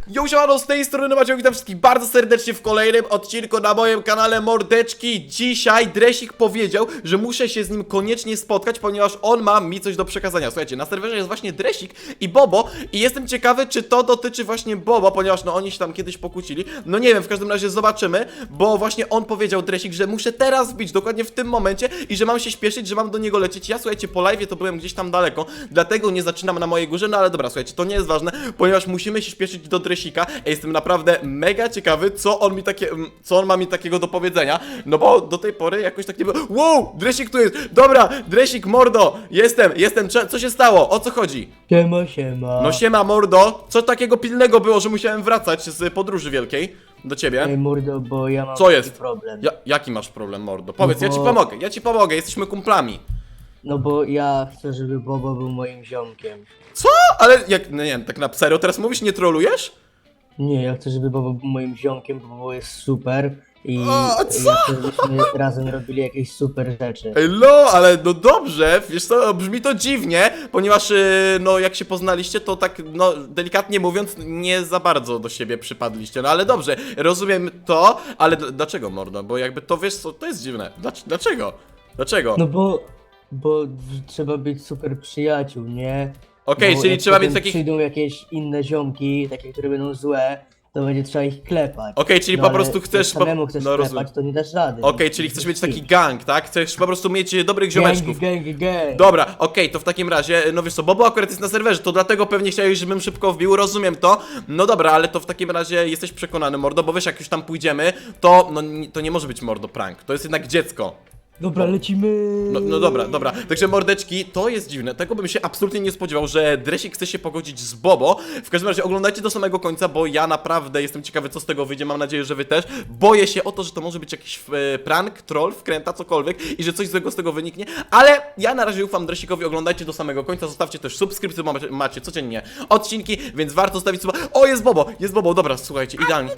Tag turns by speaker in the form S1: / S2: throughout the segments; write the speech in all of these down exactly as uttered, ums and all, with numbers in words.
S1: Yo, siemano, z tej strony Maciek, witam wszystkich bardzo serdecznie w kolejnym odcinku na moim kanale Mordeczki. Dzisiaj Dresik powiedział, że muszę się z nim koniecznie spotkać, ponieważ on ma mi coś do przekazania. Słuchajcie, na serwerze jest właśnie Dresik i Bobo i jestem ciekawy, czy to dotyczy właśnie Bobo, ponieważ no oni się tam kiedyś pokłócili. No nie wiem, w każdym razie zobaczymy, bo właśnie on powiedział, Dresik, że muszę teraz wbić, dokładnie w tym momencie i że mam się śpieszyć, że mam do niego lecieć. Ja, słuchajcie, po live'ie to byłem gdzieś tam daleko, dlatego nie zaczynam na mojej górze, no ale dobra, słuchajcie, to nie jest ważne, ponieważ musimy się śpieszyć do Dresika. Ja jestem naprawdę mega ciekawy, co on mi takie, co on ma mi takiego do powiedzenia, no bo do tej pory jakoś tak nie było. Wow, Dresik tu jest, dobra, Dresik, mordo, jestem, jestem, co się stało, o co chodzi?
S2: Siema, siema.
S1: No siema, mordo, co takiego pilnego było, że musiałem wracać z podróży wielkiej do ciebie?
S2: Ej, mordo, bo ja mam
S1: Co
S2: taki
S1: jest?
S2: problem.
S1: Ja, jaki masz problem, mordo? Powiedz,
S2: No
S1: ja ci
S2: bo-
S1: pomogę, ja ci pomogę, jesteśmy kumplami.
S2: No bo ja chcę, żeby Bobo był moim ziomkiem.
S1: Co? Ale jak, no nie wiem, tak na serio teraz mówisz, nie trolujesz?
S2: Nie, ja chcę, żeby Bobo był moim ziomkiem, bo Bobo jest super i
S1: O, co?
S2: ja chcę, żebyśmy razem robili jakieś super rzeczy.
S1: Ej, no, ale no dobrze, wiesz co, brzmi to dziwnie, ponieważ, yy, no, jak się poznaliście, to tak, no, delikatnie mówiąc, nie za bardzo do siebie przypadliście, no, ale dobrze, rozumiem to, ale d- dlaczego, mordo, bo jakby to, wiesz co, to jest dziwne, Dlac- dlaczego, dlaczego?
S2: No bo, bo trzeba być super przyjaciół, nie?
S1: Okej,
S2: Bo
S1: czyli
S2: jak
S1: trzeba
S2: potem
S1: mieć takich, okej,
S2: przyjdą jakieś inne ziomki, takie, które będą złe, to będzie trzeba ich klepać.
S1: czyli
S2: no,
S1: po
S2: ale
S1: prostu
S2: jak
S1: chcesz, po...
S2: samemu chcesz
S1: no,
S2: klepać,
S1: rozumiem,
S2: to nie dasz rady.
S1: okej, czyli chcesz mieć taki gang, tak, chcesz po prostu mieć e, dobrych ziomeczków.
S2: Gang, gang, gang.
S1: Dobra, okej, to w takim razie, no wiesz co, Bobo akurat jest na serwerze, to dlatego pewnie chciałeś, żebym szybko wbił, rozumiem to. No dobra, ale to w takim razie jesteś przekonany, mordo, bo wiesz, jak już tam pójdziemy, to, no, ni- to nie może być, mordo, prank, to jest jednak dziecko.
S2: Dobra, lecimy.
S1: No, no dobra, dobra, także mordeczki, to jest dziwne, tego bym się absolutnie nie spodziewał, że Dresik chce się pogodzić z Bobo. W każdym razie oglądajcie do samego końca, bo ja naprawdę jestem ciekawy, co z tego wyjdzie, mam nadzieję, że wy też. Boję się o to, że to może być jakiś e, prank, troll, wkręta, cokolwiek i że coś złego z tego wyniknie, ale ja na razie ufam Dresikowi, oglądajcie do samego końca, zostawcie też subskrypcję, bo macie, macie codziennie odcinki, więc warto zostawić suba. O, jest Bobo, jest Bobo, dobra, słuchajcie, idealnie.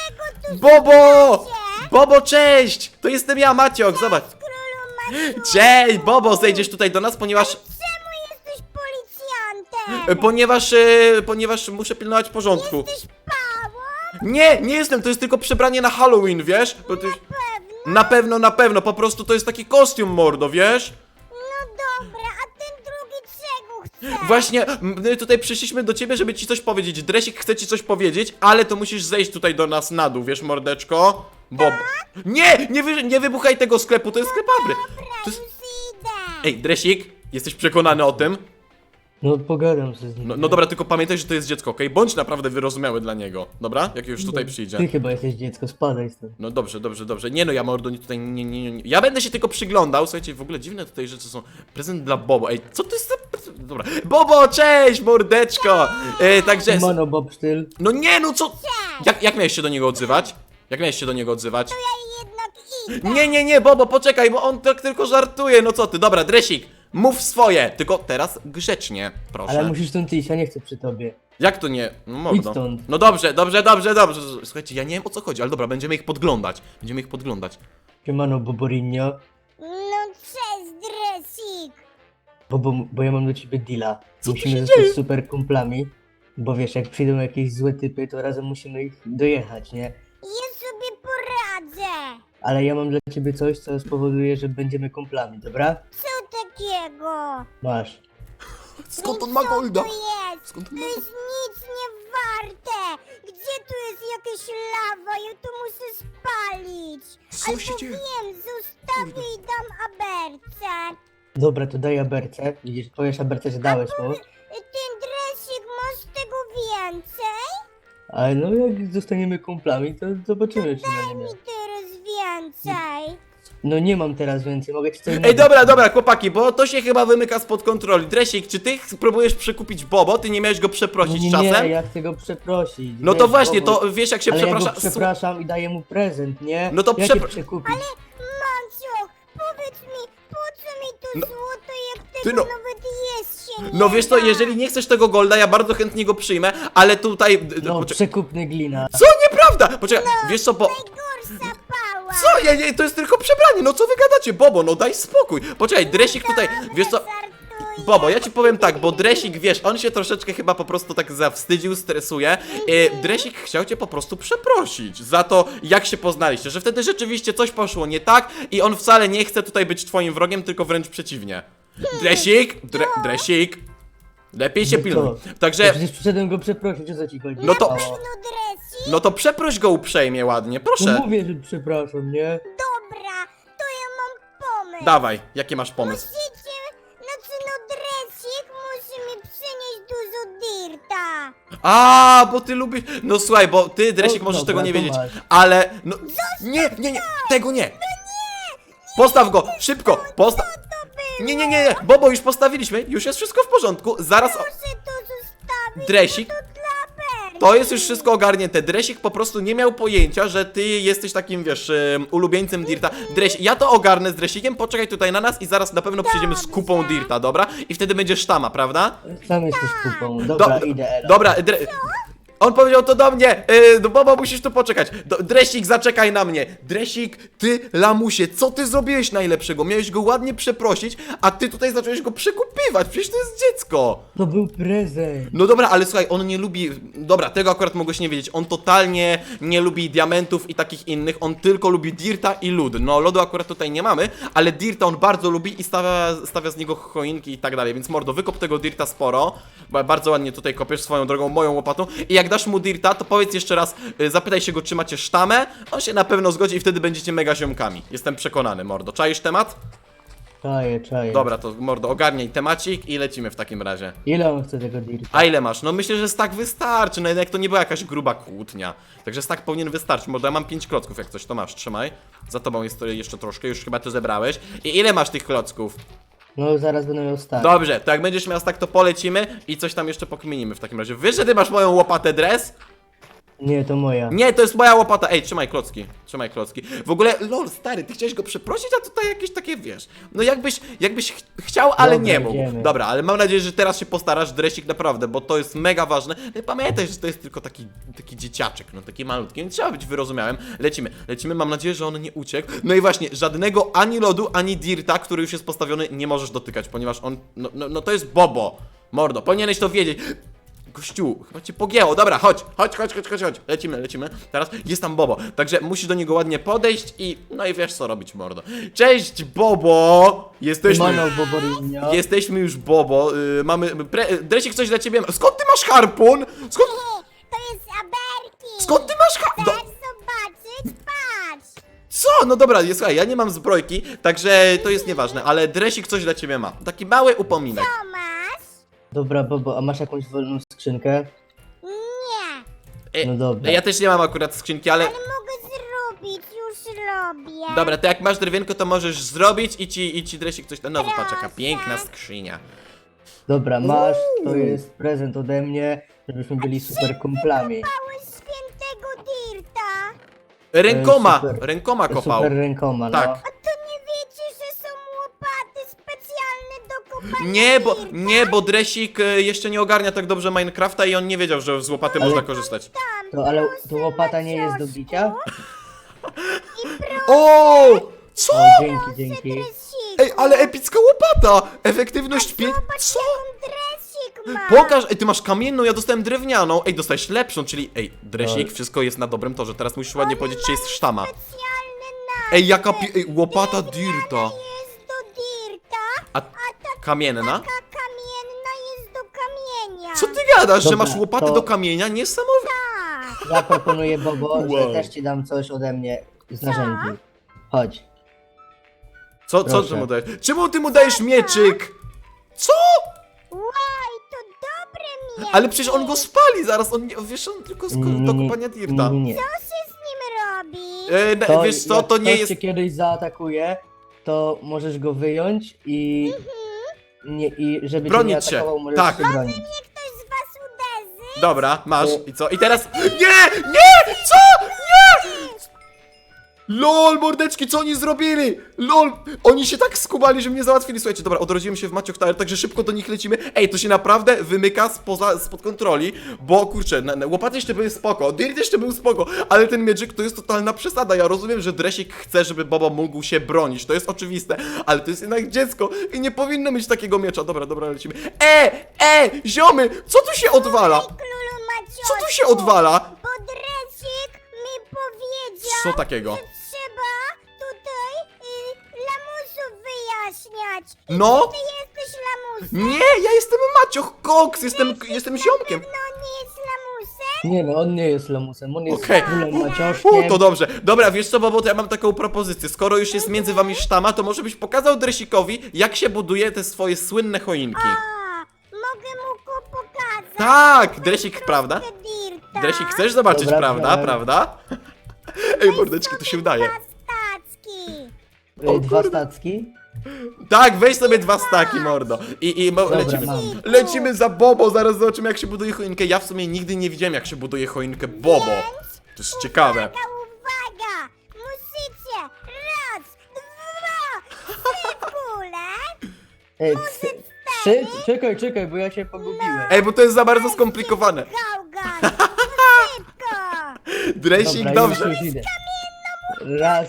S1: Bobo! Bobo, cześć! To jestem ja, Maciok, zobacz. Cześć, Bobo, zejdziesz tutaj do nas, ponieważ...
S3: Czemu jesteś policjantem?
S1: e, Ponieważ, e, ponieważ muszę pilnować porządku.
S3: Jesteś pałą?
S1: Nie, nie jestem, to jest tylko przebranie na Halloween, wiesz? Bo to jest...
S3: Pewno?
S1: Na pewno, na pewno, po prostu to jest taki kostium, mordo, wiesz?
S3: No dobra, a ten drugi czego chce?
S1: Właśnie, my tutaj przyszliśmy do ciebie, żeby ci coś powiedzieć. Dresik chce ci coś powiedzieć, ale to musisz zejść tutaj do nas na dół, wiesz, mordeczko? Bob. Nie, nie, wy, nie wybuchaj tego sklepu, to jest sklep Abry.
S3: Dobra,
S1: To jest...
S3: już idę.
S1: Ej, Dresik, jesteś przekonany o tym?
S2: No pogadam się z nim.
S1: No, no dobra, tylko pamiętaj, że to jest dziecko, okej? Bądź naprawdę wyrozumiały dla niego, dobra? Jak już tutaj przyjdzie.
S2: Ty chyba jesteś dziecko, spadaj stąd.
S1: No dobrze, dobrze, dobrze. Nie no, ja mordo nie tutaj nie, nie, nie. Ja będę się tylko przyglądał. Słuchajcie, w ogóle dziwne tutaj rzeczy są. Prezent dla Bobo. Ej, co to jest za prezent? Dobra. Bobo, cześć, mordeczko! E, także.
S2: Mano Bob styl.
S1: No nie, no co? Jak, jak miałeś się do niego odzywać? Jak miałeś się do niego odzywać?
S3: Ja jednak idę.
S1: Nie, nie, nie, Bobo, poczekaj, bo on tak tylko żartuje. No co ty? Dobra, Dresik, mów swoje. Tylko teraz grzecznie, proszę.
S2: Ale musisz stąd iść, ja nie chcę przy tobie.
S1: Jak to nie? No
S2: Idź
S1: mordo.
S2: stąd.
S1: No dobrze, dobrze, dobrze, dobrze. Słuchajcie, ja nie wiem o co chodzi, ale dobra, będziemy ich podglądać. Będziemy ich podglądać.
S2: Siemano Boborinio.
S3: No cześć, Dresik.
S2: Bobo, bo ja mam do ciebie deala.
S1: Co tu
S2: Musimy
S1: się
S2: zostać
S1: dzieje?
S2: super kumplami. Bo wiesz, jak przyjdą jakieś złe typy, to razem musimy ich dojechać, nie?
S3: Ja sobie poradzę.
S2: Ale ja mam dla ciebie coś, co spowoduje, że będziemy kumplami, dobra?
S3: Co takiego?
S2: Masz.
S1: Skąd on
S3: I
S1: ma
S3: co
S1: golda?
S3: to jest?
S1: Skąd on
S3: To
S1: ma
S3: jest nic nie warte. Gdzie tu jest jakaś lawa? Ja to muszę spalić.
S1: Co
S3: Albo
S1: się dzieje?
S3: wiem, zostawię i dam aberce.
S2: Dobra, to daj aberce. Widzisz, powiesz aberce, że dałeś mu.
S3: Ten dresik, masz tego więcej?
S2: Ale no jak zostaniemy kumplami, to zobaczymy, czy na
S3: Daj
S2: nie.
S3: mi teraz więcej.
S2: No nie mam teraz więcej, mogę ci coś
S1: Ej, dobra, dobra, chłopaki, bo to się chyba wymyka spod kontroli. Dresik, czy ty próbujesz przekupić Bobo? Ty nie miałeś go
S2: No
S1: przeprosić
S2: nie,
S1: czasem?
S2: nie, ja chcę go przeprosić.
S1: No
S2: wiesz,
S1: to właśnie,
S2: Bobo.
S1: to wiesz jak się
S2: Ale
S1: przeprasza.
S2: ja go przepraszam i daję mu prezent, nie?
S1: No to
S2: Jak
S1: przepra-
S2: cię przekupić?
S3: Manciok, powiedz mi, po co mi to
S1: No,
S3: złoto, jak
S1: ty
S3: tego
S1: no-
S3: nawet jest się nie
S1: No wiesz co,
S3: da?
S1: jeżeli nie chcesz tego golda, ja bardzo chętnie go przyjmę, ale tutaj... d- d-
S2: No,
S1: poczek-
S2: przekupny glina.
S1: Co? Nieprawda! Poczekaj, wiesz co, bo...
S3: Najgorsza pała.
S1: Co? Ja, nie, to jest tylko przebranie, no co wy gadacie? Bobo, no daj spokój. Poczekaj, Dresik tutaj, wiesz co...
S3: Żartuję.
S1: Bobo, ja ci powiem tak, bo Dresik, wiesz, on się troszeczkę chyba po prostu tak zawstydził, stresuje. E, Dresik chciał cię po prostu przeprosić za to, jak się poznaliście, że wtedy rzeczywiście coś poszło nie tak i on wcale nie chce tutaj być twoim wrogiem, tylko wręcz przeciwnie. Dresik, Dre, Dresik, lepiej się
S2: No
S1: pilnuj.
S2: co? Ja
S1: Także,
S2: przecież przyszedłem go przeprosić, o co ci chodzi?
S1: No to-
S2: O,
S3: No Dresik?
S1: no to przeproś go uprzejmie, ładnie,
S2: no
S1: proszę.
S2: mówię, że przepraszam, nie?
S3: Dobra, to ja mam pomysł.
S1: Dawaj, jaki masz pomysł?
S3: Musicie, znaczy no Dresik musi mi przynieść dużo dirta.
S1: A, bo ty lubisz. No słuchaj, bo ty, Dresik,
S2: No,
S1: możesz
S2: dobra,
S1: tego nie
S2: to
S1: wiedzieć.
S2: masz.
S1: Ale. No. Nie, nie, nie, tego nie. Postaw go, szybko, postaw. Nie, nie, nie, nie, Bobo, już postawiliśmy, już jest wszystko w porządku. Zaraz.
S3: Proszę to zostawić,
S1: Dresik,
S3: bo to dla Berki.
S1: to jest już wszystko ogarnięte. Dresik po prostu nie miał pojęcia, że ty jesteś takim, wiesz, em, ulubieńcem Dirta. Dresik, ja to ogarnę z Dresikiem, poczekaj tutaj na nas i zaraz na pewno przyjdziemy z kupą Dirta, dobra? I wtedy będzie sztama, prawda?
S2: Sam jesteś kupą. Dobra,
S1: Do-
S2: idę, Ela.
S1: Dobra, dre... On powiedział to do mnie, yy, no Bobo, musisz tu poczekać. Do, Dresik, zaczekaj na mnie. Dresik, ty, lamusie, co ty zrobiłeś najlepszego? Miałeś go ładnie przeprosić, a ty tutaj zacząłeś go przekupywać, przecież to jest dziecko.
S2: To był prezent.
S1: No dobra, ale słuchaj, on nie lubi, dobra, tego akurat mogłeś nie wiedzieć, on totalnie nie lubi diamentów i takich innych, on tylko lubi dirta i lód. No lodu akurat tutaj nie mamy, ale dirta on bardzo lubi i stawia, stawia z niego choinki i tak dalej, więc mordo, wykop tego dirta sporo, bo bardzo ładnie tutaj kopiesz swoją drogą, moją łopatą i jak dasz mu dirta, to powiedz jeszcze raz, y, zapytaj się go, czy macie sztamę, on się na pewno zgodzi i wtedy będziecie mega ziomkami. Jestem przekonany, mordo. Czaisz temat?
S2: Czaję, czaję.
S1: Dobra, to mordo, ogarniaj temacik i lecimy w takim razie.
S2: Ile on chce tego dirta?
S1: A ile masz? No myślę, że stak wystarczy, no jednak to nie była jakaś gruba kłótnia. Także stak powinien wystarczyć, mordo, ja mam pięć klocków, jak coś to masz, trzymaj. Za tobą jest to jeszcze troszkę, już chyba to zebrałeś. I ile masz tych klocków?
S2: No zaraz będę miał start.
S1: Dobrze, to jak będziesz miał stak, to polecimy i coś tam jeszcze pokminimy w takim razie. Wiesz, że ty masz moją łopatę dres?
S2: Nie, to moja.
S1: Nie, to jest moja łopata. Ej, trzymaj klocki, trzymaj klocki. W ogóle, lol, stary, ty chciałeś go przeprosić, a tutaj jakieś takie, wiesz, no jakbyś, jakbyś ch chciał, ale
S2: Dobra,
S1: nie mógł.
S2: idziemy.
S1: Dobra, ale mam nadzieję, że teraz się postarasz, Dresik, naprawdę, bo to jest mega ważne. No i pamiętaj, że to jest tylko taki, taki dzieciaczek, no taki malutki, nie trzeba być wyrozumiałym. Lecimy, lecimy, mam nadzieję, że on nie uciekł. No i właśnie, żadnego ani lodu, ani dirta, który już jest postawiony, nie możesz dotykać, ponieważ on, no, no, no to jest Bobo. Mordo, powinieneś to wiedzieć. Gościu, chyba cię pogięło. Dobra, chodź, chodź, chodź, chodź, chodź, chodź. Lecimy, lecimy. Teraz jest tam Bobo. Także musisz do niego ładnie podejść i no i wiesz co robić, mordo. Cześć, Bobo! Jesteśmy.
S2: Manał Boborinio.
S1: Jesteśmy już Bobo. Yy, mamy. Pre... Dresik, coś dla ciebie. Skąd ty masz harpun? Skąd.
S3: To jest Aberki.
S1: Skąd ty masz harpun?
S3: Chcesz zobaczyć? Patrz.
S1: Co? No dobra, nie, słuchaj, ja nie mam zbrojki, także to jest nieważne, ale Dresik coś dla ciebie ma. Taki mały upominek.
S3: Co masz?
S2: Dobra, Bobo, a masz jakąś wolną skrzynkę?
S3: Nie,
S1: E,
S2: No dobra.
S1: Ja też nie mam akurat skrzynki, ale.
S3: ale mogę zrobić, już robię.
S1: Dobra, to jak masz drewienko, to możesz zrobić i ci, i ci Dresik coś tam. No zobacz, jaka
S3: Proszę.
S1: piękna skrzynia.
S2: Dobra, masz, to jest prezent ode mnie, żebyśmy byli super kumplami.
S3: Małeś świętego dirta.
S1: Rękoma,
S2: super.
S1: rękoma kopał.
S2: Super rękoma, no.
S1: Tak.
S3: A to nie wiecie, że są łopaty specjalne do kopania
S1: Nie, bo,
S3: dirta?
S1: nie, bo Dresik e, jeszcze nie ogarnia tak dobrze Minecrafta i on nie wiedział, że z łopaty
S2: Ale-
S1: można korzystać.
S3: Tam,
S2: To, ale
S3: proszę,
S2: to łopata nie jest do
S3: Maciuszku.
S2: bicia?
S3: I proszę,
S1: O! Co?
S2: O, dzięki, dzięki.
S3: Dresiku.
S1: Ej, ale epicka łopata! Efektywność pięć.
S3: Zobacz,
S1: Co?
S3: jaką Dresik ma.
S1: Pokaż, ej, ty masz kamienną, ja dostałem drewnianą. Ej, dostałeś lepszą, czyli, ej, Dresik,
S2: Tak.
S1: wszystko jest na dobrym torze. Teraz musisz ładnie powiedzieć, czy jest sztama.
S3: Specjalny napis.
S1: Ej, jaka pi... Ej, łopata dirta.
S3: Jest do dirta,
S1: A kamienna?
S3: taka kamienna jest do kamienia.
S1: Co ty gadasz, że
S2: Dobra,
S1: masz łopaty
S2: to-
S1: do kamienia? Niesamowite.
S3: Tak.
S2: Ja proponuję, Bobo,
S1: Wow.
S2: że też ci dam coś ode mnie z narzędzi. Chodź.
S1: Co, co
S2: Proszę.
S1: ty mu dajesz? Czemu ty mu dajesz mieczyk? Co?
S3: Łaj, to dobre miecz.
S1: Ale przecież on go spali zaraz, on nie, wiesz, on tylko z
S2: Nie,
S1: do
S2: nie,
S1: kopania dirta.
S2: nie, nie.
S3: Co się z nim robi?
S1: E, na-
S2: To,
S1: wiesz co,
S2: jak
S1: to nie
S2: ktoś
S1: jest...
S2: cię kiedyś zaatakuje, to możesz go wyjąć i... Nie, i żeby cię nie
S1: Bronić się.
S2: atakował, możesz
S1: Tak.
S2: się bronić.
S3: Niech ktoś z was uderzy.
S1: Dobra, masz.
S2: O.
S1: I co? I teraz... Nie! Nie! Co? Nie! LOL, mordeczki, co oni zrobili? LOL, oni się tak skubali, że mnie załatwili. Słuchajcie, dobra, odrodziłem się w Maciok Tower, także szybko do nich lecimy. Ej, to się naprawdę wymyka spoza, spod kontroli, bo kurczę, na, na, łopaty jeszcze były spoko, Dirt jeszcze był spoko, ale ten mieczyk to jest totalna przesada. Ja rozumiem, że Dresik chce, żeby Bobo mógł się bronić, to jest oczywiste, ale to jest jednak dziecko i nie powinno mieć takiego miecza. Dobra, dobra, lecimy. E, e, ziomy, co tu się odwala?
S3: Królu Maciosku,
S1: Co tu się odwala?
S3: Bo Dresik mi powiedział,
S1: Co takiego?
S3: że trzeba tutaj y, lamusów wyjaśniać. I
S1: No.
S3: Ty jesteś lamusem?
S1: Nie, ja jestem Macioch Cox, jestem, jestem ziomkiem.
S3: No nie jest lamusem?
S2: Nie no, on nie jest lamusem, on jest
S1: Okej.
S2: królem
S1: U,
S2: Macioszkiem.
S1: to dobrze. Dobra, wiesz co, Bobo, to ja mam taką propozycję. Skoro już jest między wami sztama, to może byś pokazał Dresikowi, jak się buduje te swoje słynne choinki.
S3: A, mogę mu go pokazać.
S1: Tak, Dresik, prawda?
S3: Troszkę Dirta.
S1: Dresik, chcesz zobaczyć,
S2: Dobra,
S1: prawda?
S2: dobra.
S1: Prawda? Ej, mordeczki, to się udaje.
S3: Dwa stacki.
S1: O
S2: Y, Dwa
S1: kurde.
S2: stacki?
S1: Tak, weź sobie dwa staki, mordo. I, i mo,
S2: Dobra,
S1: lecimy.
S2: mam.
S1: Lecimy za Bobo, zaraz zobaczymy, jak się buduje choinkę. Ja w sumie nigdy nie widziałem, jak się buduje choinkę Bobo. To jest ciekawe.
S3: Uwaga, uwaga! Musicie raz, dwa, trzy kule.
S2: Ej, trzy, trzy? Czekaj, czekaj, bo ja się pogubiłem.
S1: Ej, bo to jest za bardzo skomplikowane.
S3: Gałgan, no szybko!
S1: Dresik,
S2: Dobra,
S1: dobrze.
S2: już, już idę. Raz,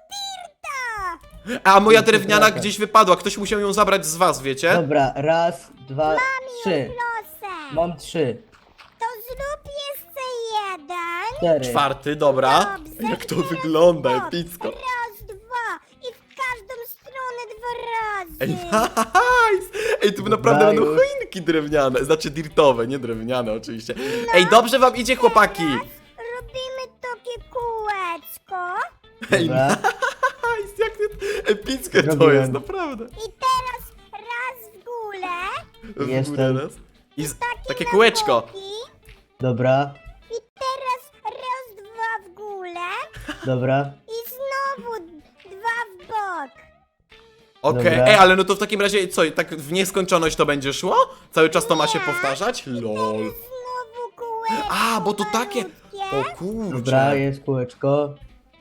S3: Dirta!
S1: A moja
S2: Już
S1: drewniana
S2: przepraszam.
S1: gdzieś wypadła, ktoś musiał ją zabrać z was, wiecie?
S2: dobra, raz, dwa, trzy.
S3: Proszę,
S2: Mam trzy,
S3: to zrób jeszcze jeden.
S2: cztery.
S1: Czwarty, dobra.
S3: Dobrze,
S1: Jak to
S3: teraz
S1: wygląda,
S3: bok.
S1: epicko.
S3: Raz, dwa i w każdą stronę dwa razy.
S1: Ej, nice! Ej, tu
S2: Dobra,
S1: naprawdę będą
S2: już.
S1: choinki drewniane, znaczy dirtowe, nie drewniane oczywiście. Ej, dobrze wam idzie, chłopaki!
S3: Robimy takie kółeczko.
S1: Ej,
S2: Dobra.
S1: nice, jak to epickie to
S2: Zrobiłem.
S1: jest, naprawdę.
S3: I teraz raz w górę.
S1: W górę
S2: Jestem.
S1: raz. I z,
S3: Takie
S1: takie
S3: na
S1: kółeczko.
S3: boki.
S2: Dobra,
S3: I teraz raz, dwa w górę.
S2: dobra.
S3: I znowu dwa w bok.
S1: Okej,
S2: Dobra.
S1: ej, ale no to w takim razie co, tak w nieskończoność to będzie szło? Cały czas to ma się powtarzać? Lol.
S3: Znowu kółeczko.
S1: A, bo to takie...
S3: malutkie.
S1: O kurczę.
S2: Dobra, jest kółeczko.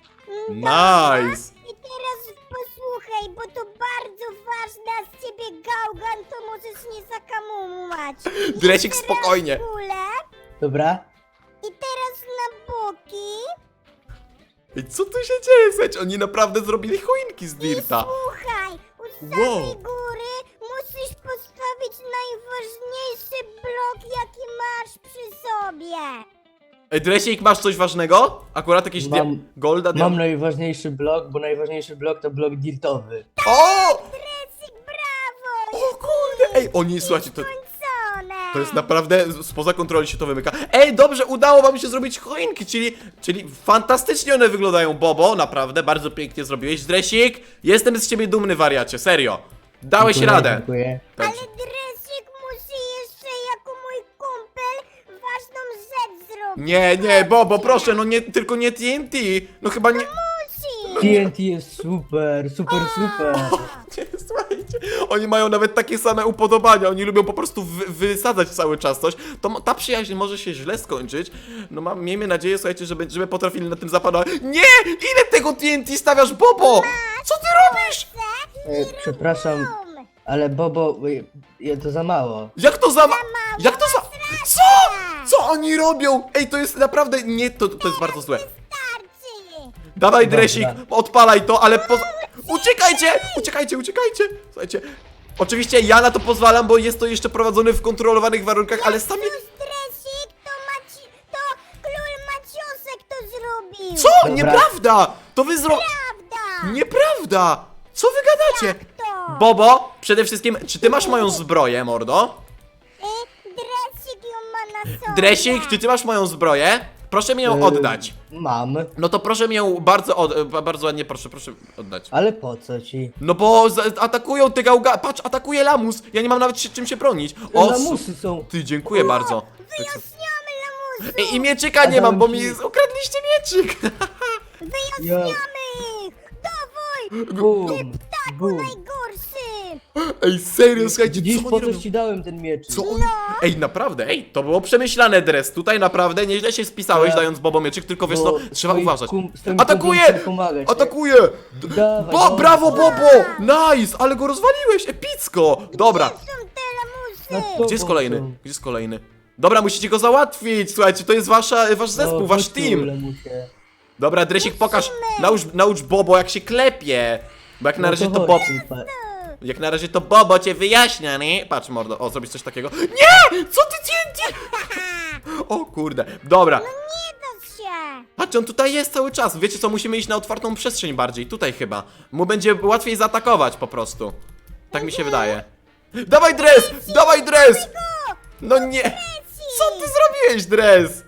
S1: Nice.
S3: I teraz posłuchaj, bo to bardzo ważne, a z ciebie gałgan, to możesz nie zakamumać.
S1: Dresik,
S3: Jeszcze
S1: spokojnie.
S3: raz w górę.
S2: Dobra.
S3: I teraz na boki.
S1: Ej, co tu się dzieje? Słuchajcie, oni naprawdę zrobili choinki z Dirta.
S3: Słuchaj, u samej
S1: Wow.
S3: góry musisz postawić najważniejszy blok, jaki masz przy sobie.
S1: Ej, Dresik, masz coś ważnego? Akurat jakieś
S2: Mam-
S1: dia- golda,
S2: Mam
S1: dia-
S2: najważniejszy blok, bo najważniejszy blok to blok dirtowy.
S1: O!
S3: Dresik, brawo!
S1: O kurde! Ej, oni, słuchajcie, to,
S3: Skończone!
S1: to jest naprawdę spoza kontroli się to wymyka. Ej, dobrze, udało wam się zrobić choinki, czyli, czyli fantastycznie one wyglądają, Bobo, naprawdę, bardzo pięknie zrobiłeś. Dresik, jestem z ciebie dumny, wariacie, serio. Dałeś
S2: Dziękuję,
S1: radę.
S2: Dziękuję.
S1: Tak.
S3: Ale Dresik musi jeszcze jako mój kumpel ważną rzecz zrobić.
S1: Nie, nie, Bobo, proszę, no nie, tylko nie T N T. No chyba nie...
S3: Musi!
S2: T N T jest super, super, super.
S1: Nie, słuchajcie, oni mają nawet takie same upodobania, oni lubią po prostu wy, wysadzać cały czas coś, to mo- ta przyjaźń może się źle skończyć, no mam, miejmy nadzieję, słuchajcie, żeby, żeby potrafili na tym zapanować. Nie! Ile tego T N T stawiasz, Bobo? Co ty robisz?
S2: E, przepraszam,
S3: Bum.
S2: ale Bobo, y, y, to za mało.
S1: Jak to za... ma- Jak to za... Co? Co oni robią? Ej, to jest naprawdę, nie, to, to jest bardzo złe.
S3: Starczy!
S1: Dawaj,
S2: Dobra.
S1: Dresik, odpalaj to, ale po... Uciekajcie! Uciekajcie, uciekajcie! Słuchajcie, oczywiście ja na to pozwalam, bo jest to jeszcze prowadzone w kontrolowanych warunkach, ale sami...
S3: Dresik, to Maci... to król Maciosek to zrobił!
S1: Co?
S2: Dobra.
S1: Nieprawda! To wy zro...
S3: Prawda!
S1: Nieprawda! Co wy gadacie?
S3: To!
S1: Bobo, przede wszystkim, czy ty masz moją zbroję, mordo?
S3: Y, Dresik ją ma na sobie!
S1: Dresik, czy ty masz moją zbroję? Proszę mi ją
S2: E,
S1: oddać.
S2: Mam,
S1: No to proszę mi ją bardzo, od... e, bardzo ładnie, proszę, proszę oddać.
S2: ale po co ci?
S1: No bo za- atakują te gałga... Patrz, atakuje lamus! Ja nie mam nawet się, czym się bronić. O, su-
S2: Lamusy są.
S1: Ty, dziękuję bardzo.
S3: Wyjaśniamy lamusu!
S1: Ej, i mieczyka nie mam, bo mi
S2: Adamki.
S1: ukradliście mieczyk.
S2: Ja,
S3: Wyjaśniamy ich! Dawaj!
S2: bum,
S3: Taku
S2: bum.
S3: najgorszy!
S1: Ej, serio, słuchajcie,
S2: Widzisz,
S1: co
S2: po
S1: oni robią?
S2: coś ci dałem ten miecz.
S1: Co oni... Ej, naprawdę, ej, to było przemyślane, Dres. Tutaj naprawdę nieźle się spisałeś,
S2: Tak.
S1: dając Bobo mieczyk, tylko wiesz
S2: Bo
S1: co, trzeba
S2: swoim
S1: uważać.
S2: kum- swoim
S1: Atakuje!
S2: kumplom chcę pomagać, nie?
S1: Atakuje!
S2: Dawaj,
S1: Bo,
S2: dawaj.
S1: brawo, Bobo! Nice, ale go rozwaliłeś, epicko! Dobra,
S3: Są te
S2: Na
S3: lamusy!
S2: to-
S1: gdzie jest
S2: Bobo
S1: kolejny?
S2: są.
S1: Gdzie jest kolejny? Dobra, musicie go załatwić, słuchajcie, to jest wasza, wasz zespół,
S2: No,
S1: wasz
S2: chodź tu,
S1: team.
S2: lamusie.
S1: Dobra, Dresik, pokaż, naucz, naucz Bobo, jak się klepie. Bo jak na
S2: No
S1: razie to
S2: chodź,
S1: Bob...
S2: super.
S1: Jak na razie to Bobo cię wyjaśnia, nie? Patrz, mordo, o, zrobisz coś takiego. Nie! Co ty cię... O kurde, dobra.
S3: Nie da się!
S1: Patrz, on tutaj jest cały czas. Wiecie co, musimy iść na otwartą przestrzeń bardziej, tutaj chyba. Mu będzie łatwiej zaatakować po prostu. Tak mi się wydaje. Dawaj, Dres! Dawaj, Dres! No nie! Co ty zrobiłeś, Dres?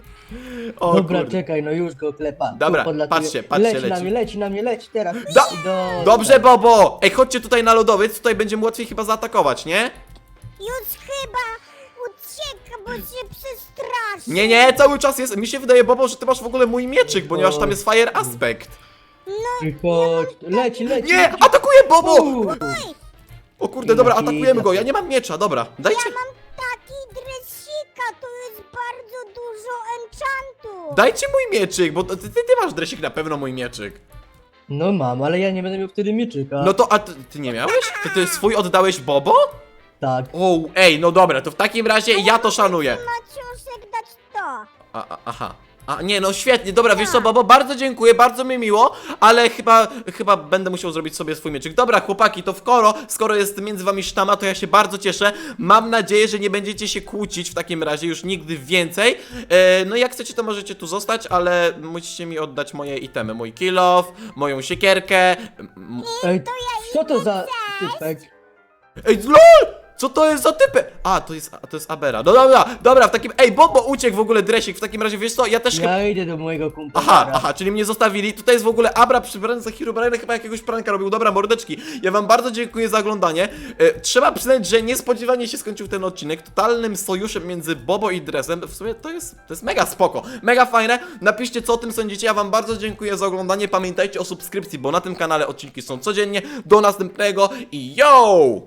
S1: O
S2: Dobra,
S1: kurde.
S2: czekaj, no już go klepa.
S1: Dobra,
S2: Tu podlatuje.
S1: patrzcie, patrzcie,
S2: leci. na
S1: leci.
S2: mnie, leci na mnie, leci teraz.
S1: Da-
S2: I do...
S1: Dobrze, Bobo! Ej, chodźcie tutaj na lodowiec, tutaj będzie mu łatwiej chyba zaatakować, nie?
S3: Już chyba ucieka, bo się przestraszy!
S1: Nie, nie, cały czas jest. Mi się wydaje, Bobo, że ty masz w ogóle mój mieczyk, ponieważ tam jest fire aspect.
S2: I chodź, leci, leci.
S1: Nie!
S2: leci.
S1: Atakuje Bobo!
S2: Uuu.
S1: O kurde, dobra,
S2: Jaki
S1: atakujemy go. Ja
S2: taki-
S1: nie mam miecza, dobra. Dajcie.
S3: Ja mam taki dresika, to jest bardzo dużo enchantu!
S1: Dajcie mój mieczyk, bo ty, ty, ty masz, Dresik, na pewno mój mieczyk.
S2: No mam, ale ja nie będę miał wtedy mieczyka.
S1: No to, a ty, ty nie miałeś? Ty, ty swój oddałeś Bobo?
S2: Tak.
S1: O, ej, no dobra, to w takim razie ja to szanuję.
S3: Maciuszek dać to!
S1: A, a, aha. A nie, no świetnie, dobra, wiesz co, Bobo, bardzo dziękuję, bardzo mi miło, ale chyba, chyba będę musiał zrobić sobie swój mieczyk. Dobra, chłopaki, to skoro, skoro jest między wami sztama, to ja się bardzo cieszę. Mam nadzieję, że nie będziecie się kłócić w takim razie już nigdy więcej. E, no jak chcecie, to możecie tu zostać, ale musicie mi oddać moje itemy, mój kill off, moją siekierkę. m-
S2: Ej, co to za typek?
S1: Ej, LOL! Co to jest za typy? A, to jest, a, to jest Abera. No dobra, dobra, w takim... Ej, Bobo uciekł w ogóle, Dresik, w takim razie, wiesz co, ja też chyba...
S2: Ja idę do mojego kumpla.
S1: Aha, aha, czyli mnie zostawili. Tutaj jest w ogóle Abra przybrany za Herobrine, chyba jakiegoś pranka robił. Dobra, mordeczki, ja wam bardzo dziękuję za oglądanie. E, trzeba przyznać, że niespodziewanie się skończył ten odcinek totalnym sojuszem między Bobo i Dresem. W sumie to jest, to jest mega spoko, mega fajne. Napiszcie, co o tym sądzicie. Ja wam bardzo dziękuję za oglądanie. Pamiętajcie o subskrypcji, bo na tym kanale odcinki są codziennie. Do następnego i yo!